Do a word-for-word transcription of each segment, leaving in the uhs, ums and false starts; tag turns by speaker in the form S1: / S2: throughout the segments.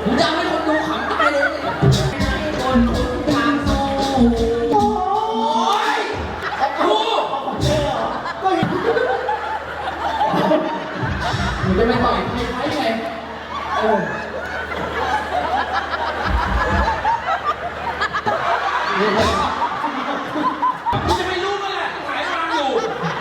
S1: มึงจะให้คนดูขำตายเลยคนคนทางโซ่โอ้ยครูก็เห็นมึงจะไม่ต่อยใครใครไงเออมึงจะไม่รู้มั้ยแหละขายฟังอยู่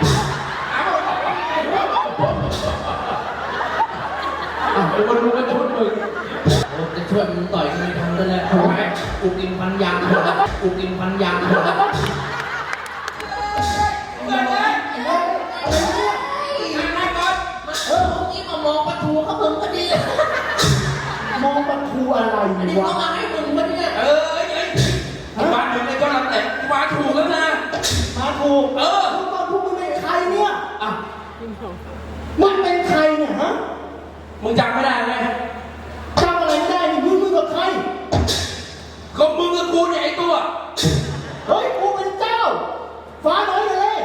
S1: อ้าวคนดูก็ชุดมึงจะช่วยมึงต่อยกูไม่ทำด้วยแหละทำไมกูกินพันยางหมดแล้วกูกินพันยางหมดแล้วเกิดอะไรอะไรก่อนเออผมกินมามองปลาทูเขาเพิ่งพอดี
S2: มองปลาทูอะไรวะอันนี้
S1: เขามาให้มึงพอดีเออเอ้ยบ้านมึงไอ้ก็รับแต่มาถูกแล้วนะ
S2: มาถูก
S1: เออ
S2: พวกตอนพวกมึงเป็นใครเนี่ย
S1: อ่ะ
S2: มึงเป็นใครเนี่ยฮะ
S1: มึงจำไม่ได้ไหม
S2: จำอะไรไม่ได้นี่มึงมึงกับใคร
S1: ก็มึงกับกูเนี่ยไอ้ตัว
S2: เฮ้ยกูเป็นเจ้าฟ้าน้อยเลย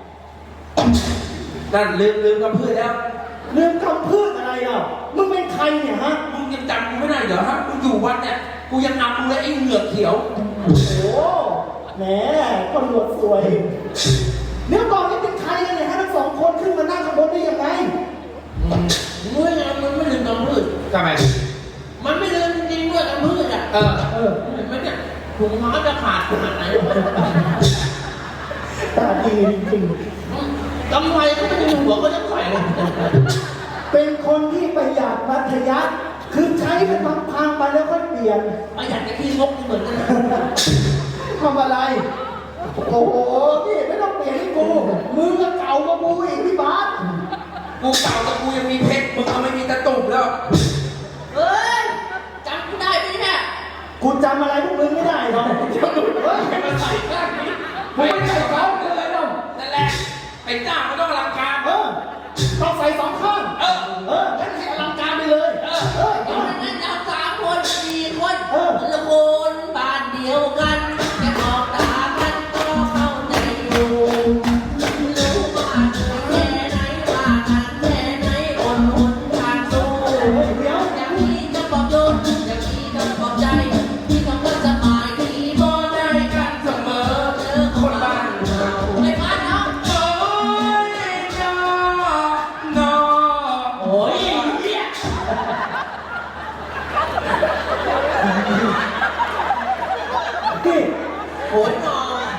S1: นั่นลืมลืมกับเพื่อนแล้ว
S2: ลืมคำพูดอะไรอ่ะมึงเป็นใครเนี่ยฮะ
S1: มึงยังจำกูไม่ได้เหรอฮะกูอยู่วัดเนี่ยกูยังนำมึงเลยไอ้เหงือกเขียว
S2: โอ้โหแหมคนหนวดสวยเนื้อก่อนนี่เป็นใครกันเนี่ยฮะทั้งสองคนขึ้นมานั่งข้างบนได้ยังไง
S1: มึงเนี่ยมันไม่ลืมคำพูด
S3: ทำไม
S1: มันไม่ลืมจริงๆด้วยคำพูดอ่ะ
S2: เออเออ
S1: เห็นไหมเนี่ยถุงเท้าจะขาดขนาดไหน
S2: ตาดีจริง
S1: กำไรก็ไม่ได้หัวก็จะใส่เลย
S2: เป็นคนที่ประหยัดมัธยัสถ์คือใช้เป็นพังๆไปแล้วค่อยเปลี่ยน
S1: ประหยัดกับพี่งกเหมือนกัน
S2: ทำอะไรโอ้โหนี่ไม่ต้องเปลี่ยนให้กูมึงก็เก่ากว่ากูอีกพี่บาส
S1: กูเก่าแต่กูยังมีเพชรมึงเอาไม่มีตะตุ่มแล้วเฮ้ยจำกูได้ไหมเนี่ย
S2: กูจำอะไรพวกมึงไม่ได้หรอก
S1: เฮ้ยมาใส่ข้างนี้ไม่ใส่เขาเลยน้องนั่นแหละไอ้จ้ามันต้องอลังการ
S2: เออต้องใส่สองข้าง
S1: เออ
S2: เอองั้นให้อลังการไปเลย
S1: เออเออเอางั้นเอาสามคนสี่คนเออละคนบ้านเดียวกันแค่มองตากันก็เข้าใจอยู่รู้ว่าแค่ไหนว่ากันแค่ไหนอดทนทางสู้
S2: เดี๋ยว
S1: อย่างนี้จะบอกโยนอย่างนี้จะบอกใจที่คำว่าสบายที่บ่ได้กันเสมอเจอคนบ้านเราไอ้บ้านเราโอ้ยน้อน้อโอ้ยเนี่ย
S2: พี่
S1: โอ้ยน้อ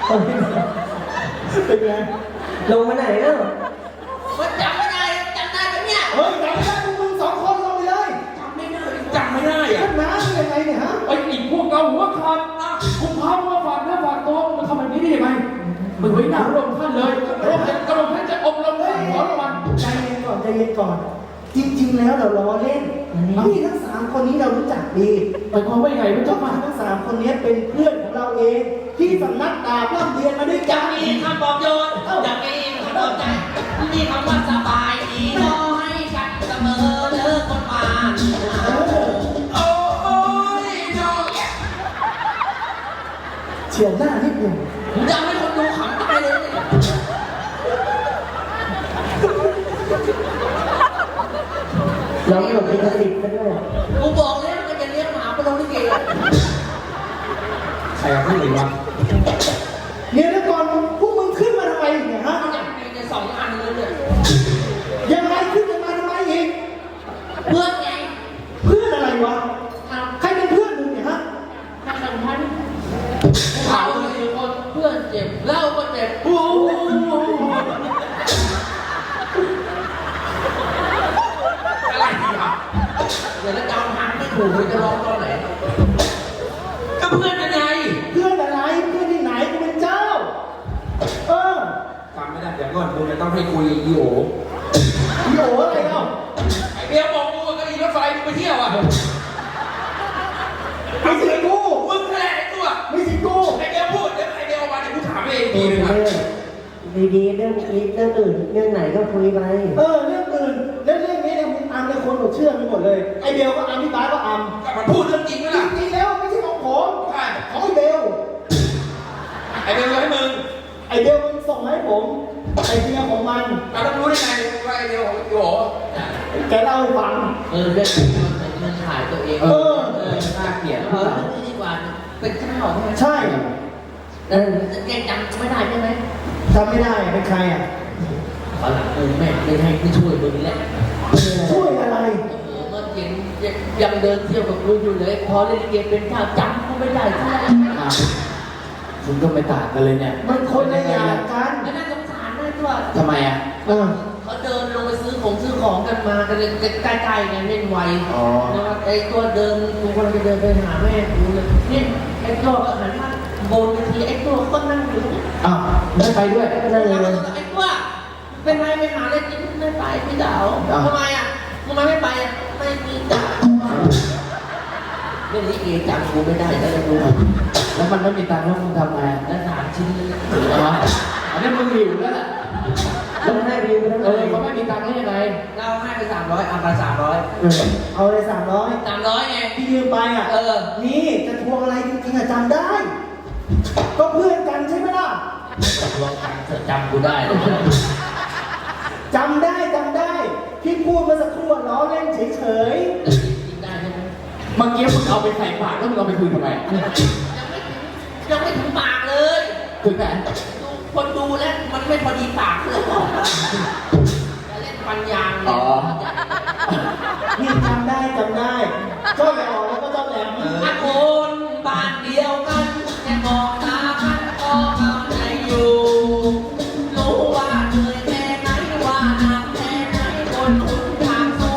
S2: เป็นไง
S3: ลงมาไหนแล้ว
S1: มันจำไม่ได้จำได้ไหมเนี่ย
S2: เฮ้ยจำไม่ได้พวกมึงสองคนลงไปเลย
S1: จำไม่ได้จำไม่ได้อะ
S2: ขึ้นน้ำยังไงเนี่ยฮะ
S4: ไอ้อีกพวกเราหัวขาดคุณพามาฝากเนื้อฝากตัวมาทำแบบนี้ได้ยังไงมึงไว้หน้าพระองค์ท่านเลยพระองค์กระหม่อมท่านจะอบรมให้ขอรางวัล
S2: ใจเย็นก่อนใจเย็นก่อนจริงๆแล้วเราล้อเล่นนี่ทั้งสามคนนี้เรารู้จักดี
S4: หมายความว่ายังไงพระเจ้าค่ะ
S2: ทั้งสามคนนี้เป็นเพื่อนของเราเองที่สำนักดาบร่ำเรียนมาด้วยกัน
S1: มีคำบอกโยนอย่างมีคำบอกใจมีคำว่าสบายดีรอให้กันเสมอเลิกคนมาโอ้ยน้อง
S2: เฉียวหน้านิดหนึ่ง
S1: ผมจะให้คนดูขำตายเลย
S3: เราไม่หลบลิขสิทธิ์กันด้วย
S1: กูบอกแล้วมันจะเลี้ยงหมาไปลงที่เกลือ
S3: ใครเอาผู้หญิงวะ
S2: เนี่ยแล้วก่อนพวกมึงขึ้นมาทำไมเนี่ยฮะ
S1: อย่างนี้เนี่ยสองอันเลยเนี่ย
S2: ยังไงขึ้นมาทำไมอีก
S1: เพื่อนไง
S2: เพื่อนอะไรวะใครเป็นเพื่อนมึงเนี่ยฮะ
S1: ถ้าสำคัญเขาเป็นคนเพื่อนเจ็บเล่าก็เจ็บโอ้อะไรอ่ะเดี๋ยวแล้วจะเอาทางไม่ถูกเลยจะร้องตอนไหนก็เพื่อนอะไร
S2: เพื่อนอะไรเพื่อนที่ไหนกูเป็นเจ้าเออ
S1: จำไม่ได้เดี๋ยวก่อนมึงจะต้องให้คุยอีโอ
S2: อีโออะไรเนาะ
S1: ไอเบียบอกกูก็อีรถไฟมึงไปเที่ยวอ่ะ
S2: ไม่ใช่กู
S1: มึงแหละไอ้ตัว
S2: ไม่ใช่กู
S1: ไอเบียพูดเดี๋ยวไอเบียออกมาเดี๋ยวกูถามเองดีเลยนะ
S3: ดีๆเรื่องนี้เรื่องอื่นเรื่องไหนก็คุยไป
S2: เออเรื่องอื่นเรื่องเรื่องนี้เนี่ยมึงอัมเนี่ยคนหมดเชื่อมึงหมดเลยไอเบลก็อัมพี่บาสก็อัม
S1: แต่มันพูดเรื่องจริงไหมล่ะ
S2: จริงแล้วไม่ใช่ของผม
S1: ใช่
S2: ของไอเบล
S1: ไอเบลให้มึง
S2: ไอเบลมันส่งให้ผมไอเดียของมัน
S1: เราต้องรู้ได้ไงว่าไอเบลของโยแก
S2: เล่าให้ฟัง
S1: เออเรื่องมันถ่ายตัวเอง
S2: เออ
S1: เออนี่ดีกว่าเป็นเจ้าใช่ไหม
S2: ใช่
S1: เออแกจำไม่ได้ใช่ไหม
S2: จำไม่ได้เป็นใครอ่ะ
S1: ตอนหลังเออแม่ไม่ให้ไม่ช่วยมึงแล้ว
S2: ช่วยอะไร
S1: เออเมื่อเย็นยังเดินเที่ยวกับกูอยู่เลยพอเล่นลิเกเป็นข้าวจำกูไม่ได้ใช่ไหม
S4: อ้าวคุณก็ไม่ต่างกันเลยเนี่ย
S2: มันคนละอย่างกัน
S1: แล้วน่าสงสารด้วยตัว
S4: ทำไมอ่ะ
S2: เออ
S1: เขาเดินลงไปซื้อของซื้อของกันมากันเลยใกล้ๆไงเล่นไว
S4: อ๋อ
S1: แล้วไอ้ตัวเดินกูกำลังจะเดินไปหาแม่กูเลยเนี่ยไอ้ตัวก็หันมาโบนไปทีไอ้ตัวก็นั่งอยู่เนี่ย
S4: อ้าวไม่ไปด้วย
S3: นั่น
S1: แล้ว
S3: เล
S1: ก็
S3: ย
S1: ไอ้ตัวเป็นไรไปหาอะไรกินไม่ไปพี่ดาวทำไมอ่ะทำไมไม่ไปอ่ะไม่มีจ่าเรื่องนี้เอจำกูไม่ได้แล้วเลยดู
S4: แล้วมันไม่มีตังค์แล้วมึงทำไง
S1: แล้วถามชิ้นเลย
S4: อ๋ออันนี้มึงหิวแล้วล่ะ
S3: ต้องให้ไปยืมไปทั้ง
S4: เอ
S3: เล
S4: อย เขาไม่มีตังค์ได้ยังไง
S1: เราให้ไปสามร้อยเอาไปสามร้อย
S3: เออ
S2: เอาเลยสามร้อย
S1: สามร้อยไง
S2: ที่ยืมไปอ่ะ
S1: เออ
S2: นี่จะทวงอะไรจริงๆอ่ะจำได้ ก็เพื่อนกันใช่ไหมล่ะ
S1: ลองจำเธอจำกูได้เลย
S2: จำได้จำได้ ที่พูดเมื่อสักครู่ล้อเล่นเฉย
S1: จริงได้ใช่ไหม
S4: เมื่อกี้มึงเอาไปใส่ปากแล้วมึงเอาไปคุยทำไม
S1: ยังไม่ถึงยังไม่ถึงปากเลย
S4: ถึงไหน
S1: ดูคนดูแล้วมันไม่พอดีปากเลยจะเล่นปัญญางเล
S4: อ๋
S1: ย
S4: อ
S2: ๆนี่จำได้จำได้ เจ้าหล่อแล้วก็เจ้าแหลม
S1: ถ้าคนบ้านเดียวกันแค่มองตากันก็เข้าใจอยู่ รู้ว่าเหนื่อยแค่ไหนว่าหนักแค่ไหนบนหนทางสู้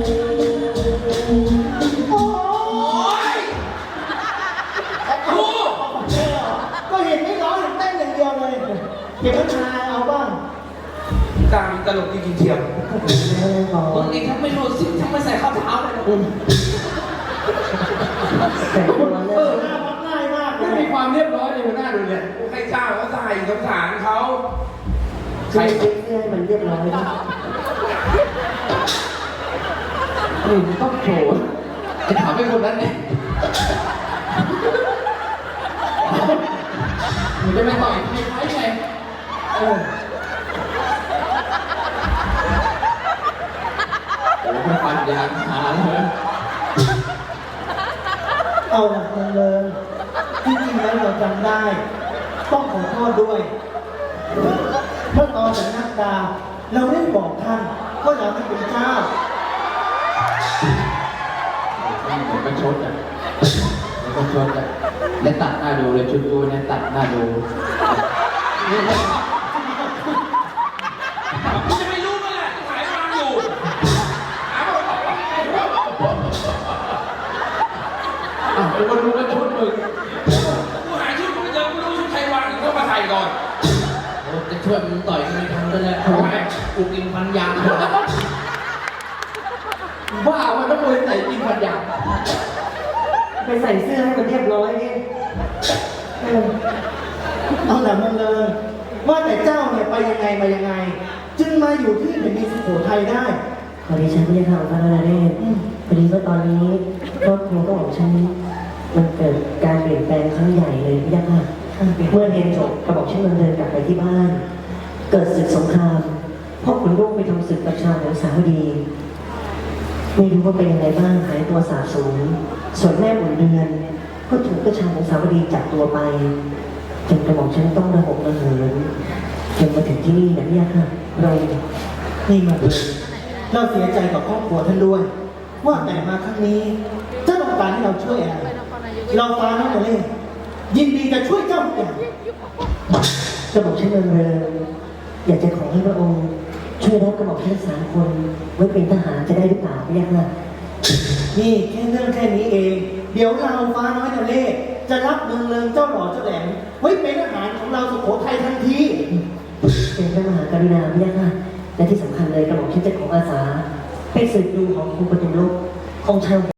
S2: โอ้ย
S1: โอ้
S2: ก็เห็นไม่ร้องเห็นเต้นอย่างเดียวเลยเก็บน้ำชาเอาบ้าง
S5: กลางตลกที่กินเทียม
S3: ไม่ได้บอก
S1: มึงนี่ถ้าไม่รู้สิถ้าไม่ใส่ข้าวเท้าเลยนะ
S3: แต่ตัว
S2: เอ
S3: เนี่
S2: อย หน้ามักง่ายมากเล
S4: ไม่
S2: ย
S4: มีความเรียบร้อยเลยหัวหน้าดูเนี่ย
S5: ให้เจ้าเขาใส่สงสารเขา
S3: ใช้เสื้อให้มันเรียบร้อยนะ
S4: นี่มึงต้องโผล่จะถามไอ้คนนั้นเนี่ยมึงจะไปต่อยใครใครไงเออโอ้โหมันปัญญาหาเลย
S2: เอาหลักเมืองเลยที่จริงแล้วเราจำได้ ต้องขอโทษด้วย เมื่อตอนจากนักดาวเราได้บอกท่านว่าเราเป็นเจ้า
S4: มันก็ชดอ่ะมันก็ชดอ่ะแล้วตัดหน้าดูเลยชุดกูเนี่ยตัดหน้าดู
S5: คุณจะไม่รู้มั้ยล่ะที่ขายฟังอยู่หาบอกว่า
S4: อ่ะเป็นคนดูก็ชุดมึง
S5: กูหาชุดกูไม่เจอกูรู้ชุดใครวางอยู่ก็มาใส่ก่อน
S1: โอ้จะช่วยมึงต่อยมึงทำได้แล้วกูกินปัญญาง
S4: บ้ามันต้องเลยใส่จริงพันอย่าง
S3: ไปใส่เสื้อให้มันเรียบร้อยนี่เออ
S2: เอาหลักเมืองเลยว่าแต่เจ้าเนี่ยไปยังไงมายังไง จึงมาอยู่ที่แผ่นดินสุโขทัยได้
S3: พอดีฉันไม่ได้ทำพระนาเรศพอดีว่าตอนนี้ครอบครัวก็ของฉันมันเกิดการเปลี่ยนแปลงครั้งใหญ่เลยพี่ยักษ์ค่ะเมื่อเรียนจบกระบอกฉันเดินเดินกลับไปที่บ้าน เกิดศึกสงครามพ่อขุนร่วงไปทำศึกกับชาวเหนือสาวดี ไม่รู้ว่าเป็นยังไงบ้างหายตัวสาบสูญส่วนแม่บุญเดือนก็ถูกกระชาของสาวดีจับตัวไปจนกระบอกฉันต้องระหกระเหินจนมาถึงที่นี่นะเนี่ยค่ะเรา
S2: นี่มาเลยเราเสียใจกับครอบครัวท่านด้วย ว่าแต่มาครั้งนี้เจ้าต้องการให้เราช่วยอะไร เราฟ้าน้องโมเล่ยินดีจะช่วยเจ้าทุกอย่าง
S3: กระบอกฉันเริงเริงอยากจะขอให้พระองค์ช่วยรับกระบอกฉันสามคนไว้เป็นทหารจะได้หรือเปล่าพี่ยักษ์ค่ะ
S2: นี่แค่เรื่องแค่นี้เอง เดี๋ยวเราฟ้าน้อยโมเล่จะรับเมืองเลิงเจ้าหล่อเจ้าแหลมไว้เป็นอาหารของเราสุโขทัยทันที
S3: เป็นพระมหากรุณาพี่ยักษ์ค่ะและที่สำคัญเลยกระบอกฉันจะขออาสาไปสืบดูของครูปฐุมโลกของชาว